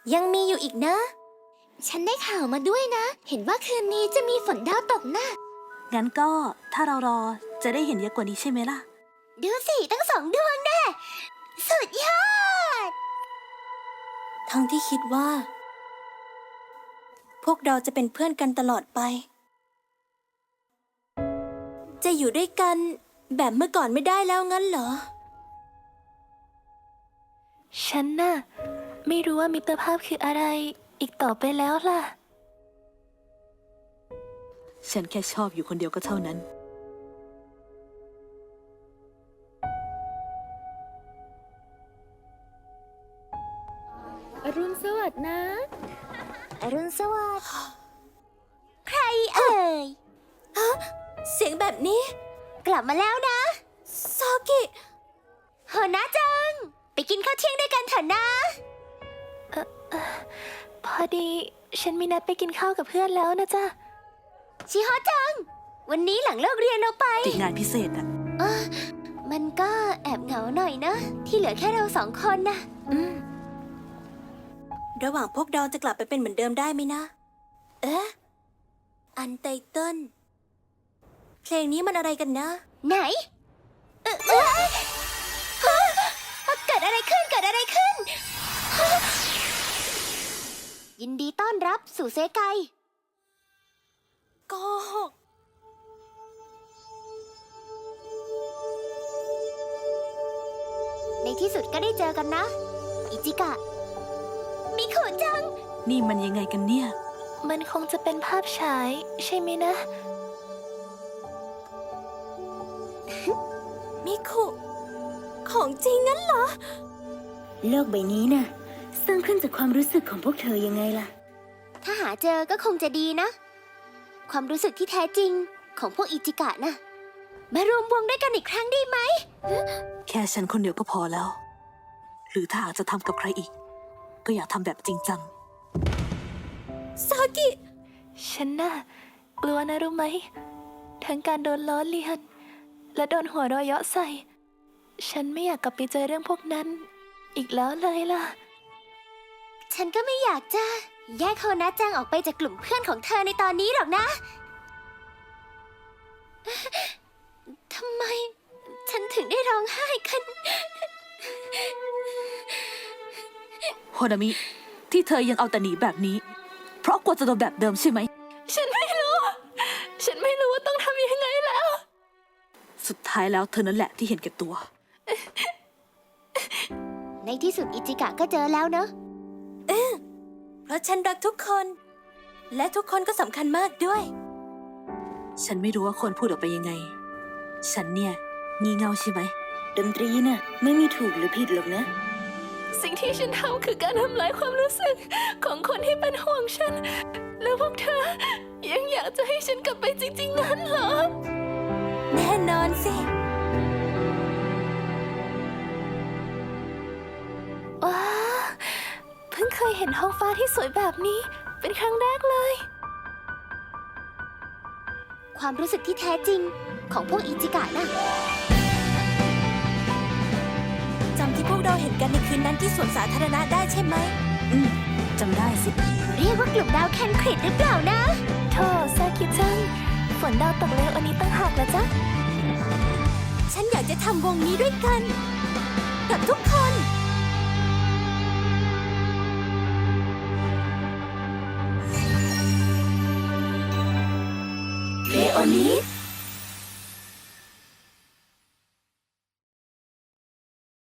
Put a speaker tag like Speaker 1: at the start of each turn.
Speaker 1: ยังมีอยู่อีกนะฉันได้ข่าวมาด้วยนะเห็นว่าคืนนี้จะมีฝนดาวตกนะ
Speaker 2: งั้นก็ถ้าเรารอจะได้เห็นเยอะกว่านี้ใช่ไหมล่ะ
Speaker 1: ดูสิตั้ง2 ดวงแน่สุดยอดทั้งที่คิดว่าพวกเราจะเป็นเพื่อนกันตลอดไปจะอยู่ด้วยกันแบบเมื่อก่อนไม่ได้แล้วงั้นเหรอ
Speaker 3: ฉันน่ะไม่รู้ว่ามิตรภาพคืออะไรอีกต่อไปแล้วล่ะ
Speaker 2: ฉันแค่ชอบอยู่คนเดียวก็เท่านั้น
Speaker 3: อรุณสวัสดิ์นะ
Speaker 1: อรุณสวัสดิ์ใครเอ่ยฮะเสียงแบบนี้กลับมาแล้วนะซากิโฮนะจังไปกินข้าวเที่ยงด้วยกันเถอะนะ
Speaker 3: พอดีฉันมีนัดไปกินข้าวกับเพื่อนแล้วนะจ๊ะ
Speaker 1: ชิโฮจังวันนี้หลังเลิกเรียนเราไป
Speaker 2: ติดงานพิเศษอะ
Speaker 1: มันก็แอบเหงาหน่อยนะที่เหลือแค่เรา2 คนนะระหว่างพวกเราจะกลับไปเป็นเหมือนเดิมได้ไหมนะอันไตเติ้ลเพลงนี้มันอะไรกันนะไหนเกิดอะไรขึ้นยินดีต้อนรับสู่เซไกโกหกในที่สุดก็ได้เจอกันนะอิจิกะมิโคะจัง
Speaker 2: นี่มันยังไงกันเนี่ย
Speaker 3: มันคงจะเป็นภาพฉายใช่ไหมนะ
Speaker 1: มิโคะของจริงงั้นเหรอ
Speaker 4: โลกใบนี้น่ะสร้างขึ้นจากความรู้สึกของพวกเธอยังไงล่ะ
Speaker 1: ถ้าหาเจอก็คงจะดีนะความรู้สึกที่แท้จริงของพวกอิจิกะนะมารวมวงด้วยกันอีกครั้งได้ไหม
Speaker 2: แค่ฉันคนเดียวก็พอแล้วหรือถ้าหากจะทำกับใครอีกก็อยากทำแบบจริงจัง
Speaker 1: ซากิ
Speaker 3: ฉันน่ะกลัวนะรู้ไหมทั้งการโดนล้อเลียนและโดนหัวเราะเยาะใส่ฉันไม่อยากกลับไปเจอเรื่องพวกนั้นอีกแล้วเลยล่ะ
Speaker 1: ฉันก็ไม่อยากจะแยกโฮนะจังออกไปจากกลุ่มเพื่อนของเธอในตอนนี้หรอกนะทำไมฉันถึงได้ร้องไห้กัน
Speaker 2: โฮนามิที่เธอยังเอาแต่หนีแบบนี้เพราะกลัวจะโดนแบบเดิมใช่ไหม
Speaker 3: ฉันไม่รู้ว่าต้องทำยังไงแล้ว
Speaker 2: สุดท้ายแล้วเธอนั่นแหละที่เห็นแก่ตัว
Speaker 1: ในที่สุดอิจิกะก็เจอแล้วเนอะเพราะฉันรักทุกคนและทุกคนก็สำคัญมากด้วย
Speaker 2: ฉันไม่รู้ว่าคนพูดออกไปยังไงฉันเนี่ยงี่เง่าใช่ไหม
Speaker 4: ดนตรีน่ะไม่มีถูกหรือผิดหรอกนะ
Speaker 3: สิ่งที่ฉันทำคือการทำลายความรู้สึกของคนที่เป็นห่วงฉันแล้วพวกเธอยังอยากจะให้ฉันกลับไปจริงๆงั้นเหรอ
Speaker 1: แน่นอนสิ
Speaker 3: ว้าเพิ่งเคยเห็นท้องฟ้าที่สวยแบบนี้เป็นครั้งแรกเลย
Speaker 1: ความรู้สึกที่แท้จริงของพวกอิจิกะนะจำที่พวกเราเห็นกันในคืนนั้นที่สวนสาธารณะได้ใช่ไหม
Speaker 2: จำได้สิ
Speaker 1: เรียกว่ากลุ่มดาวแคนคริตหรือเปล่านะ
Speaker 3: โธ่ซากิจังฝนดาวตกเร็วอันนี้ตั้งหากนะจ๊ะ
Speaker 1: ฉันอยากจะทำวงนี้ด้วยกันกับทุกคน
Speaker 4: เลโอนิส